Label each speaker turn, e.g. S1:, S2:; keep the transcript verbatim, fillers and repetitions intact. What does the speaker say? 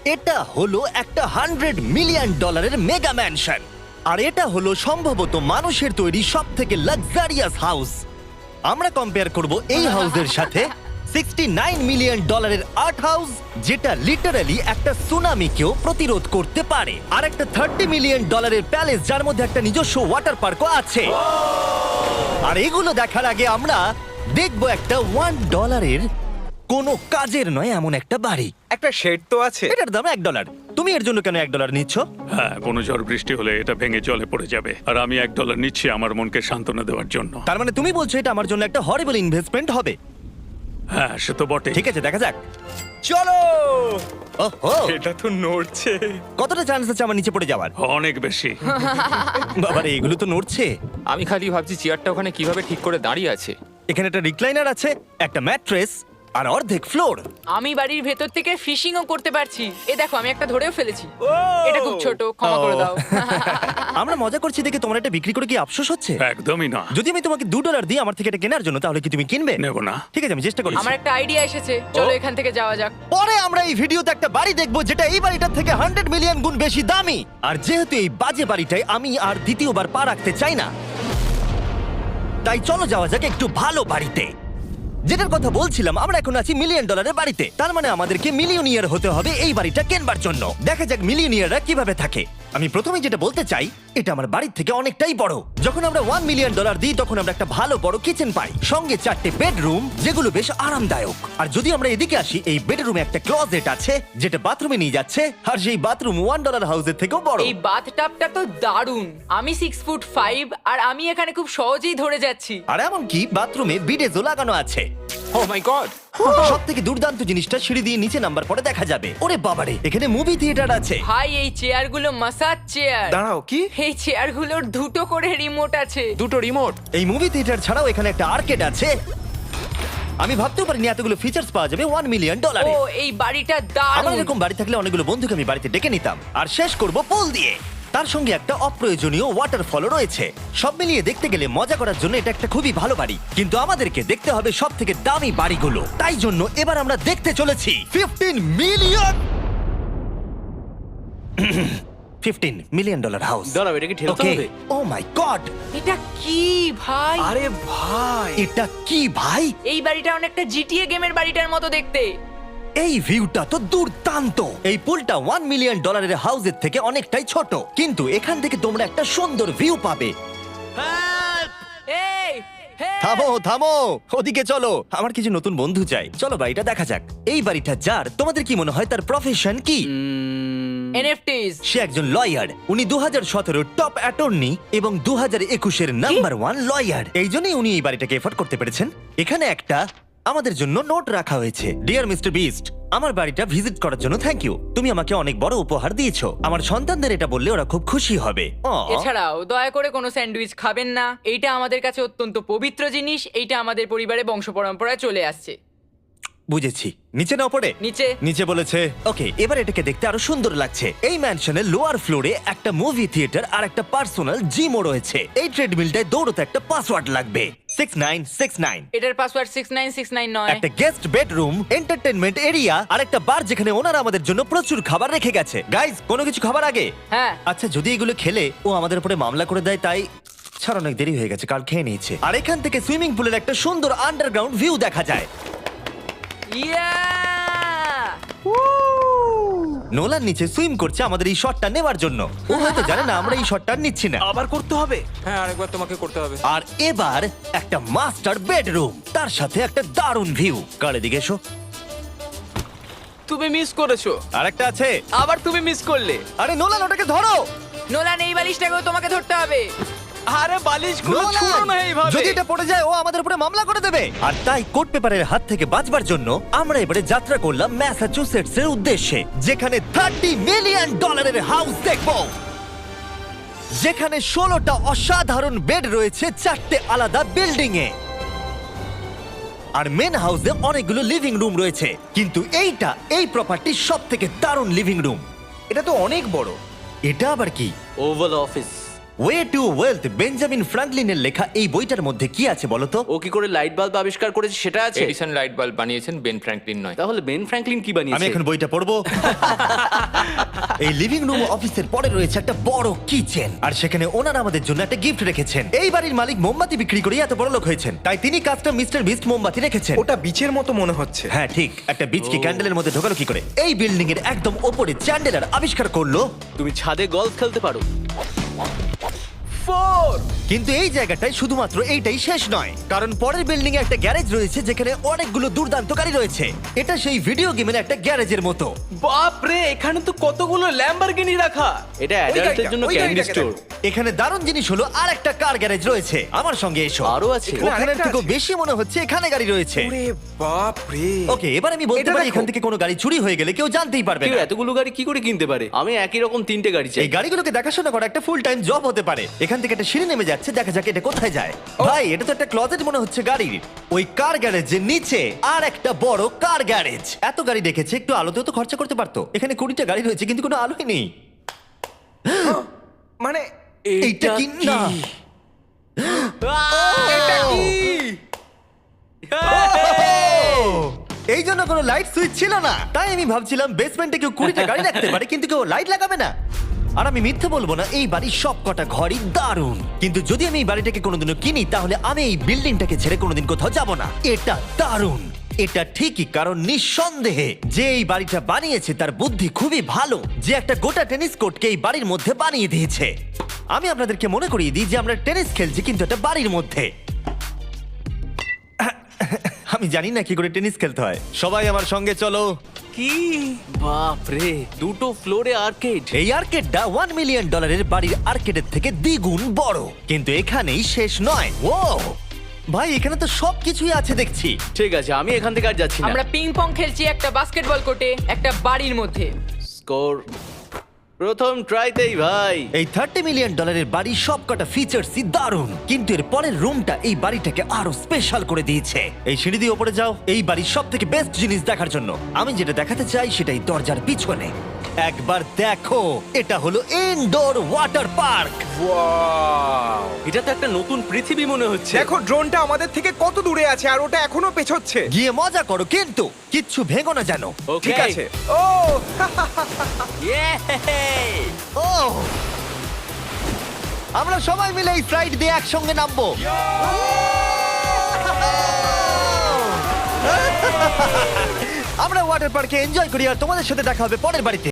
S1: এটা হলো একটা হান্ড্রেড মিলিয়ন ডলারের মেগা ম্যানশন, আর এটা হলো সম্ভবত মানুষের তৈরি সব থেকে লাক্সারিয়াস হাউস। আমরা কম্পেয়ার করব এই হাউসের সাথে সিক্সটি নাইন মিলিয়ন ডলারের আর্ট হাউস, যেটা লিটারালি একটা সুনামিকেও প্রতিরোধ করতে পারে, আর একটা থার্টি মিলিয়ন ডলারের প্যালেস যার মধ্যে একটা নিজস্ব ওয়াটার পার্কও আছে। আর এগুলো দেখার আগে আমরা দেখব একটা ওয়ান ডলারের কোনো কাজের নয় এমন একটা বাড়ি।
S2: একটা শেড তো আছে।
S1: এটার দাম এক ডলার। তুমি এর জন্য কেন এক ডলার নিচ্ছ?
S3: হ্যাঁ, কোনো ঝড় বৃষ্টি হলে এটা ভেঙে জলে পড়ে যাবে, আর আমি এক ডলার নিচ্ছি আমার মনকে সান্ত্বনা দেওয়ার জন্য।
S1: তার মানে তুমি বলছো এটা আমার জন্য একটা হরিবল ইনভেস্টমেন্ট হবে?
S3: হ্যাঁ, সে তো বটে।
S1: ঠিক আছে, দেখা যাক।
S2: চলো।
S1: ওহো,
S2: এটা তো নড়ছে।
S1: কতটা চান্স আছে আমার নিচে পড়ে যাওয়ার?
S3: অনেক বেশি।
S1: বাবারে, এগুলো তো নড়ছে।
S4: আমি খালি ভাবছি চেয়ারটা ওখানে কিভাবে ঠিক করে দাঁড়িয়ে আছে।
S1: এখানে একটা রিক্লাইনার আছে, একটা ম্যাট্রেস, আর অর্ধেক ফ্লোর।
S5: আমি বাড়ির ভেতর থেকে ফিশিংও করতে পারছি। এ দেখো, আমি একটা ধরেও ফেলেছি।
S2: ও!
S5: এটা খুব ছোট, ক্ষমা করে দাও।
S1: আমরা মজা করছি দেখে তোমার এটা বিক্রি করে কি আফসোস হচ্ছে?
S3: একদমই না।
S1: যদি আমি তোমাকে দু ডলার দিই আমার থেকে এটা কেনার জন্য, তাহলে কি তুমি কিনবে?
S3: নেব না।
S1: ঠিক আছে, আমি চেষ্টা করছি।
S5: আমার একটা আইডিয়া এসেছে, চলো এখান থেকে যাওয়া যাক।
S1: পরে আমরা এই ভিডিওতে একটা বাড়ি দেখবো যেটা এই বাড়িটার থেকে হান্ড্রেড মিলিয়ন গুণ বেশি দামি। আর যেহেতু এই বাজে বাড়িটায় আমি আর দ্বিতীয়বার পা রাখতে চাই না, তাই চলো যাওয়া যাক একটু ভালো বাড়িতে। যেটার কথা বলছিলাম, আমরা এখন আছি মিলিয়ন ডলারের বাড়িতে। তার মানে আমাদেরকে মিলিয়নিয়ার হতে হবে এই বাড়িটা কেনবার জন্য। দেখা যাক মিলিয়নিয়াররা কিভাবে থাকে। আমি প্রথমে যেটা বলতে চাই, এটা আমার বাড়ির থেকে অনেকটাই বড়। যখন আমরা ওয়ান মিলিয়ন ডলার দিই তখন আমরা একটা ভালো বড় কিচেন পাই, সঙ্গে চারটে বেডরুম যেগুলো বেশ আরামদায়ক। আর যদি আমরা এদিকে আসি, এই বেডরুমে একটা ক্লোজেট আছে যেটা বাথরুমে নিয়ে যাচ্ছে, আর সেই বাথরুম ওয়ান ডলার হাউসের থেকেও বড়।
S5: এই বাথটাবটা তো দারুণ। আমি সিক্স ফুট ফাইভ আর আমি এখানে খুব সহজেই ধরে যাচ্ছি।
S1: আর এমনকি বাথরুমে বিডেজও লাগানো আছে।
S4: Oh my God!
S1: সব থেকে দুর্দান্ত জিনিসটা, সিঁড়ি দিয়ে নিচে নাম্বার পরে দেখা যাবে। ওরে বাবারে, এখানে মুভি থিয়েটার আছে।
S5: ভাই, এই চেয়ারগুলো মাসাজ চেয়ার।
S2: দাঁড়াও, কি?
S5: এই চেয়ারগুলোর দুটো করে রিমোট আছে।
S4: দুটো রিমোট।
S1: এই মুভি থিয়েটার ছাড়াও এখানে একটা আর্কেড আছে। আমি ভাবতেও পারিনি এতগুলো ফিচার্স পাওয়া যাবে ওয়ান মিলিয়ন ডলারে।
S5: ও, এই বাড়িটা
S1: আমার
S5: দারুণ।
S1: এরকম বাড়ি থাকলে অনেকগুলো বন্ধুকে আমি বাড়িতে ডেকে নিতাম। আর শেষ করব পুল দিয়ে। তার সঙ্গে একটা অপ্রয়োজনীয় ওয়াটারফলও রয়েছে। সব মিলিয়ে দেখতে গেলে মজা করার জন্য এটা একটা খুবই ভালো বাড়ি, কিন্তু আমাদেরকে দেখতে হবে সব থেকে দামি বাড়িগুলো। তাই জন্য এবার আমরা দেখতে চলেছি fifteen million fifteen million dollar house.
S2: দাঁড়াও, এটাকে ঠেলতে হবে।
S1: ও মাই গড,
S5: এটা কি ভাই?
S2: আরে ভাই,
S1: এটা কি ভাই?
S5: এই বাড়িটা অনেকটা জিটিএ গেমের বাড়িটার মতো দেখতে।
S1: এই ভিউটা তো দুর্দান্ত। এই পুলটা ওয়ান মিলিয়ন ডলারের হাউসের থেকে অনেকটাই ছোট, কিন্তু এখান থেকে তোমরা একটা সুন্দর ভিউ পাবে।
S5: এই, হে!
S1: থামো থামো, ওদিকে চলো। আমার কিছু নতুন বন্ধু চাই, চলো বাড়িটা দেখা যাক। এই বাড়িটা যার, তোমাদের কি মনে হয় তার প্রফেশন কি?
S5: এনএফটিস।
S1: সে একজন লয়ার। উনি দু হাজার সতেরো টপ অ্যাটর্নি এবং দু হাজার একুশের নাম্বার ওয়ান লয়ার। এই জন্যই উনি এই বাড়িটাকে এফোর্ড করতে পেরেছেন। এখানে একটা আমাদের জন্য নোট রাখা হয়েছে। ডিয়ার মিস্টার বিস্ট, আমার বাড়িটা ভিজিট করার জন্য থ্যাংক ইউ। তুমি আমাকে অনেক বড় উপহার দিয়েছো। আমার সন্তানদের এটা বললে ওরা খুব খুশি হবে। Aw.
S5: এছাড়াও দয়া করে কোনো স্যান্ডউইচ খাবেন না। এইটা আমাদের কাছে অত্যন্ত পবিত্র জিনিস। এইটা আমাদের পরিবারে বংশ পরম্পরায় চলে আসছে।
S1: বুঝেছি, নিচে না পড়ে
S5: নিচে।
S1: নিচে বলেছে। ওকে, এবার এটাকে দেখতে আরো সুন্দর লাগছে। এই ম্যানশনের লোয়ার ফ্লোরে একটা মুভি থিয়েটার আর একটা পার্সোনাল জিমও রয়েছে। এই ট্রেডমিলটায় দৌড়তে একটা পাসওয়ার্ড লাগবে, সিক্স নাইন সিক্স নাইন।
S5: এটার password six nine six nine নয়।
S1: একটা গেস্ট বেডরুম, এন্টারটেইনমেন্ট এরিয়া আর একটা বার যেখানে ওনারা আমাদের জন্য প্রচুর খাবার রেখে গেছে। গাইজ, কোনো কিছু খাবার আগে?
S5: হ্যাঁ।
S1: আচ্ছা, যদি এগুলো খেলে ও আমাদের উপরে মামলা করে দেয়, তাই ছাড়, অনেক দেরি হয়ে গেছে, কাল খেয়ে নিয়েছে। আর এখান থেকে সুইমিং পুলের একটা সুন্দর আন্ডারগ্রাউন্ড ভিউ দেখা যায়।
S5: ইয়া!
S1: নোলান নিচে সুইম করছে আমাদের এই শটটা নেবার জন্য। ও হয়তো জানে না আমরা এই শটটা নিচ্ছি না।
S2: আবার করতে হবে।
S4: হ্যাঁ, আরেকবার তোমাকে করতে হবে।
S1: আর এবার একটা মাস্টার বেডরুম, তার সাথে একটা দারুণ ভিউ। কার এদিকে এসো।
S2: তুমি মিস করেছো।
S1: আর একটা আছে।
S2: আবার তুমি মিস করলে।
S1: আরে নোলান, ওটাকে ধরো।
S5: নোলান, এই বালিশটাকেও তোমাকে ধরতে হবে।
S2: আরে বালিশগুলো
S1: নোলান,
S2: ছুঁড়ো না এইভাবে।
S1: যদি এটা পড়ে যায় ও আমাদের উপরে মামলা করে দেবে। আর তাই কোর্ট পেপারের হাত থেকে বাঁচবার জন্য আমরা এবারে যাত্রা করলাম ম্যাসাচুসেটস এর উদ্দেশ্যে, যেখানে থার্টি মিলিয়ন ডলারের হাউস দেখবো, যেখানে ষোলোটা অসাধারণ বেড রয়েছে চারটে আলাদা বিল্ডিং এ। আর মেন হাউসে অনেকগুলো লিভিং রুম রয়েছে, কিন্তু এইটা এই প্রপার্টির সব থেকে দারুণ লিভিং রুম।
S2: এটা তো অনেক বড়।
S1: এটা আবার কি?
S6: Oval Office.
S1: Way to Wealth Benjamin ফ্রাঙ্কলিনের লেখা এই বইটার মধ্যে কি আছে বলো তো?
S2: ও কি করে লাইট বাল্ব আবিষ্কার করেছে সেটা আছে?
S4: এডিসন লাইট বাল্ব বানিয়েছেন, বেন ফ্র্যাঙ্কলিন নয়।
S2: তাহলে বেন ফ্র্যাঙ্কলিন কি
S1: আমি
S2: বানিয়েছে?
S1: এখন বইটা পড়বো। এই লিভিং রুম অফিসের পরে রয়েছে একটা বড় কিচেন, আর সেখানে ওনারা আমাদের জন্য একটা গিফট রেখেছেন। এই বাড়ির মালিক মোমবাতি বিক্রি করে এত বড় লোক হয়েছেন, তাই তিনি কাস্টম মিস্টার বিস্ট মোমবাতি রেখেছেন।
S6: ওটা বিচের মতো মনে হচ্ছে।
S1: হ্যাঁ ঠিক, একটা বীজকে ক্যান্ডেলের মধ্যে ঢোকালো কি করে? এই বিল্ডিং এর একদম ওপরে চ্যান্ডেলার আবিষ্কার করলো।
S2: তুমি ছাদে গলফ খেলতে পারো। ফোর।
S1: কিন্তু এই জায়গাটায় শুধুমাত্র এইটাই শেষ নয়, কারণ পরের বিল্ডিং এ একটা গ্যারেজ রয়েছে যেখানে অনেকগুলো দুর্দান্ত গাড়ি রয়েছে। এটা সেই ভিডিও গেমের একটা গ্যারেজের মতো।
S2: বাপ রে, এখানে তো কতগুলো ল্যাম্বরগিনি রাখা। এটা অ্যাডাল্টদের জন্য
S6: ওই
S2: ক্যান্ডি
S6: গাড়িটাকে
S2: স্টোর।
S1: এখানে দারুণ জিনিস হলো আর একটা কার গ্যারেজ রয়েছে। আমার সঙ্গে এসো।
S2: আরো আছে?
S6: এখানে
S1: ওখানের
S6: আরেকটা
S1: থেকেও
S6: আছে?
S1: বেশি মনে হচ্ছে এখানে গাড়ি রয়েছে।
S6: ওরে বাপ রে।
S1: ওকে, এবার আমি বলতে
S6: এটা
S1: পারি
S6: দেখো।
S1: এখান থেকে কোনো গাড়ি চুরি হয়ে গেলে কেউ জানতেই পারবে
S2: কেউ
S1: না।
S2: এতগুলো গাড়ি কি করে কিনতে পারে? আমি একই রকম তিনটে গাড়ি চাই।
S1: এই গাড়িগুলোকে দেখাশোনা করা একটা ফুল টাইম জব হতে পারে। এখান থেকে একটা সিঁড়ি নেমে যাচ্ছে, দেখা যাক এটা কোথায় যায়। ভাই, এটা তো একটা ক্লজেট মনে হচ্ছে গাড়ির। ওই কার গ্যারেজের নিচে আর একটা বড় কার গ্যারেজ। এত গাড়ি রেখেছে, একটু আলোতেও তো খরচা করতে পারতো। এখানে কুড়িটা গাড়ি রয়েছে কিন্তু কোনো আলোই নেই।
S6: মানে
S1: এইটা কি না?
S6: এটা কি?
S1: এই জন্য কোনো লাইট সুইচ ছিল না, তাই আমি ভাবছিলাম বেসমেন্টে কেউ কুড়িটা গাড়ি রাখতে পারে কিন্তু কেউ লাইট লাগাবে না। আর আমি মিথ্যে বলবো না, এই বাড়ির সব কটা ঘরই দারুণ। কিন্তু যদি আমি এই বাড়িটাকে কোনোদিনও কিনি তাহলে আমি এই বিল্ডিংটাকে ছেড়ে কোনোদিন কোথাও যাব না। এটা দারুণ। এটা ঠিকই, কারণ নিঃসন্দেহে যে এই বাড়িটা বানিয়েছে তার বুদ্ধি খুবই ভালো, যে একটা গোটা টেনিস কোর্টকে এই বাড়ির মধ্যে বানিয়ে দিয়েছে। আমি আপনাদেরকে মনে করিয়ে দিই যে আমরা টেনিস খেলছি কিন্তু একটা বাড়ির মধ্যে। আমি জানি না কি করে টেনিস খেলতে হয়। সবাই আমার সঙ্গে চলো।
S2: কি বাপ রে, দুটো ফ্লোরে আর্কেড।
S1: এই আর্কেডটা ওয়ান মিলিয়ন ডলারের বাড়ির আর্কেডের থেকে দ্বিগুণ বড়। কিন্তু এখানেই শেষ নয়। ও ভাই, এখানে তো সবকিছুই আছে দেখছি।
S2: ঠিক আছে, আমি এখান থেকে আর যাচ্ছি না।
S5: আমরা পিং পং খেলছি একটা বাস্কেটবল কোর্টে, একটা বাড়ির মধ্যে।
S2: স্কোর প্রথম ট্রাইতেই ভাই।
S1: এই থার্টি মিলিয়ন ডলারের বাড়ির সবকটা ফিচার্সই দারুণ, কিন্তু এর পরের রুমটা এই বাড়িটাকে আরো স্পেশাল করে দিয়েছে। এই সিঁড়ি দিয়ে উপরে যাও এই বাড়ির সব থেকে বেস্ট জিনিস দেখার জন্য। আমি যেটা দেখাতে চাই সেটাই দরজার পিছনে। একবার দেখো, এটা হলো ইনডোর ওয়াটার পার্ক।
S6: ওয়াও।
S2: এটা তো একটা নতুন পৃথিবী মনে হচ্ছে।
S6: দেখো ড্রোনটা আমাদের থেকে কত দূরে আছে আর ওটা এখনো পেছচ্ছে।
S1: গিয়ে মজা করো, কিন্তু কিচ্ছু ভেঙো না জানো।
S2: Okay.
S6: ঠিক আছে। ও
S2: Yay!
S1: ও, আমরা সবাই মিলে এই ফ্লাইট দিয়ে একসঙ্গে নামবো। আমরা ওয়াটার পার্কে এনজয় করি, আর তোমাদের সাথে দেখা হবে পরের বাড়িতে।